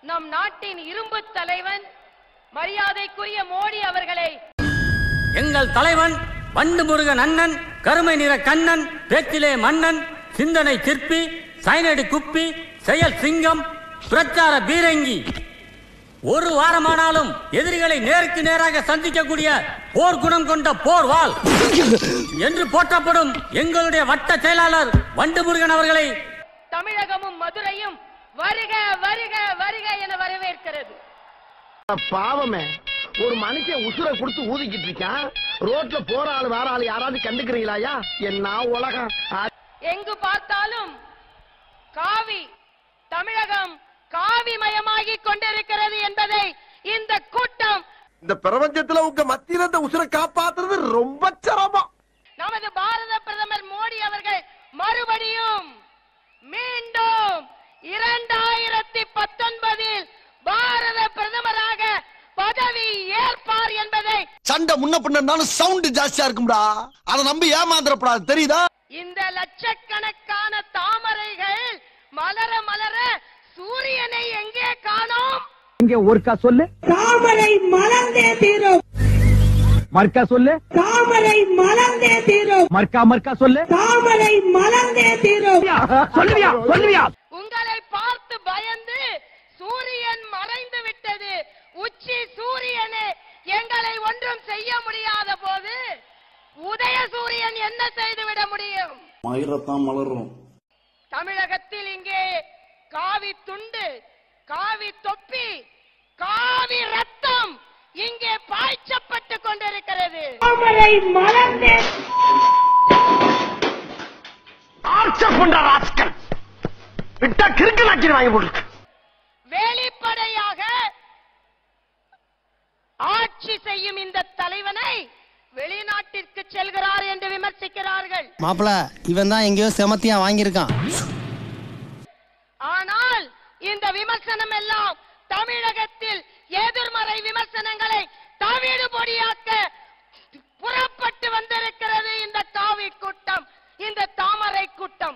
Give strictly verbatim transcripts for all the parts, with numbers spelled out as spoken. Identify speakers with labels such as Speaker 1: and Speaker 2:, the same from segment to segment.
Speaker 1: நம் நாட்டின் இரும்பு தலைவன் மரியாதைக்குரிய மோடி அவர்களை
Speaker 2: எங்கள் தலைவன் வண்டு முருகன் அண்ணன், கருமை நிற கண்ணன், பேச்சிலே மன்னன், சிந்தனை சிற்பி, சைனடி குப்பி, செயல் சிங்கம், பிரச்சார பீரங்கி, ஒரு வாரமானாலும் எதிரிகளை நேருக்கு நேராக சந்திக்கக்கூடிய போர் குணம் கொண்ட போர் வாள் என்று போற்றப்படும் எங்களுடைய வட்ட செயலாளர் வண்டு முருகன் அவர்களை
Speaker 1: தமிழகமும் மதுரையும் வருக வருக வருக என வரவேற்கிறது.
Speaker 3: பாவமே, ஒரு மனுஷன் உசுரை கொடுத்து ஊதிக்கிட்டு இருக்கான். ரோட்ல போற ஆளு வேற ஆளு யாராவது கண்டுக்கிறீங்களா? என்ன உலகம்!
Speaker 1: எங்கு பார்த்தாலும் காவி, தமிழகம் காவி மயமாகி கொண்டிருக்கிறது என்பதை இந்த கூட்டம்,
Speaker 3: இந்த பிரபஞ்சத்துல உங்க மத்தியில இந்த உசுரை காப்பாத்துறது ரொம்ப சிரமம்.
Speaker 1: நமது பாரத பிரதமர் மோடி அவர்கள் மறுபடியும் மீண்டும் இரண்டாயிரத்தி பத்தொன்பதில் பாரத பிரதமராக பதவி ஏற்பார் என்பதை,
Speaker 3: சண்டை முன்ன பின்னாலும் சவுண்ட் ஜாஸ்தியா இருக்கும்டா, அதை நம்பி ஏமாந்துடப்படாது, தெரியுதா?
Speaker 1: இந்த லட்சக்கணக்கான தாமரைகள் மலர மலர சூரியனை எங்கே காணோம்?
Speaker 4: இங்கே ஒருக்கா சொல்லு.
Speaker 5: தாமரை மலர்ந்தே தீரும்.
Speaker 4: மர்க்கா சொல்லு.
Speaker 5: தாமரை மலர்ந்தே தீரும்.
Speaker 4: மர்க்கா மர்க்கா சொல்லு.
Speaker 5: தாமரை மலர்ந்தே தீரும்.
Speaker 4: சொல்லுவியா சொல்லுவியா?
Speaker 1: உங்களை பார்த்து பயந்து சூரியன் மறைந்து விட்டது. உச்சி சூரியனே எங்களை ஒன்றும் செய்ய முடியாத போது உதய சூரியன் என்ன செய்துவிட முடியும்?
Speaker 6: மயிரத்தான் மலரும்.
Speaker 1: தமிழகத்தில் இங்கே காவி துண்டு, காவி தொப்பி, காவி ரத்தம் இங்கே பாய்ச்சப்பட்டு கொண்டிருக்கிறது.
Speaker 5: தாமரை மலர்ந்தே
Speaker 3: விட்டா கிறுக்கு நாக்கி வாங்கி போட்டு
Speaker 1: வெளிப்படையாக ஆட்சி செய்யும் இந்த தலைவனை வெளிநாட்டிற்கு செல்கிறார் என்று விமர்சிக்கிறார்கள்.
Speaker 7: மாப்பிள, இவன் தான் எங்கேயோ செமத்தியா வாங்கியிருக்கான்.
Speaker 1: ஆனால் இந்த விமர்சனம் எல்லாம் தமிழகத்தில் எதிர்மறை விமர்சனங்களை தவிடு பொடியாக்க புறப்பட்டு வந்திருக்கிறது இந்த காவி கூட்டம், இந்த தாமரை கூட்டம்.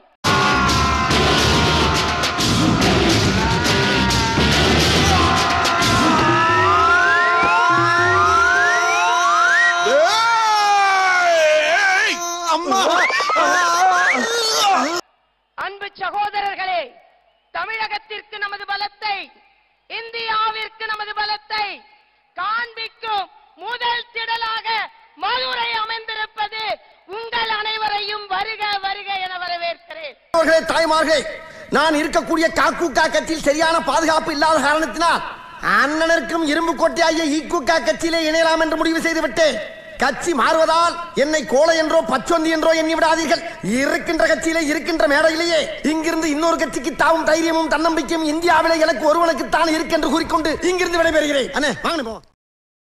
Speaker 1: அன்பு சகோதரர்களே, தமிழகத்திற்கு நமது பலத்தை, இந்தியாவிற்கு நமது பலத்தை காண்பிக்கும் முதல் திடலாக மதுரை அமைந்திருப்பது உங்கள் அனைவரையும் வருக வருக என வரவேற்கிறேன்.
Speaker 3: தாய்மார்களே, நான் இருக்கக்கூடிய காக்கூக்கா கட்சியில் சரியான பாதுகாப்பு இல்லாத காரணத்தினால் அண்ணனருக்கும் இரும்பு கோட்டையாகிய ஈக்குக்கா கட்சியிலே இணையலாம் என்று முடிவு செய்துவிட்டேன். கட்சி மாறுவதால் என்னை கோலை என்றோ பச்சொந்தி என்றோ எண்ணி விடாதீர்கள். இருக்கின்ற கட்சியிலே இருக்கின்ற மேடையிலேயே இங்கிருந்து இன்னொரு கட்சிக்கு தாவும் தைரியமும் தன்னம்பிக்கையும் இந்தியாவிலே எனக்கு ஒருவனுக்கு தான் இருக்கு என்று கூறிக்கொண்டு இங்கிருந்து விடைபெறுகிறேன். அண்ணே வாங்க.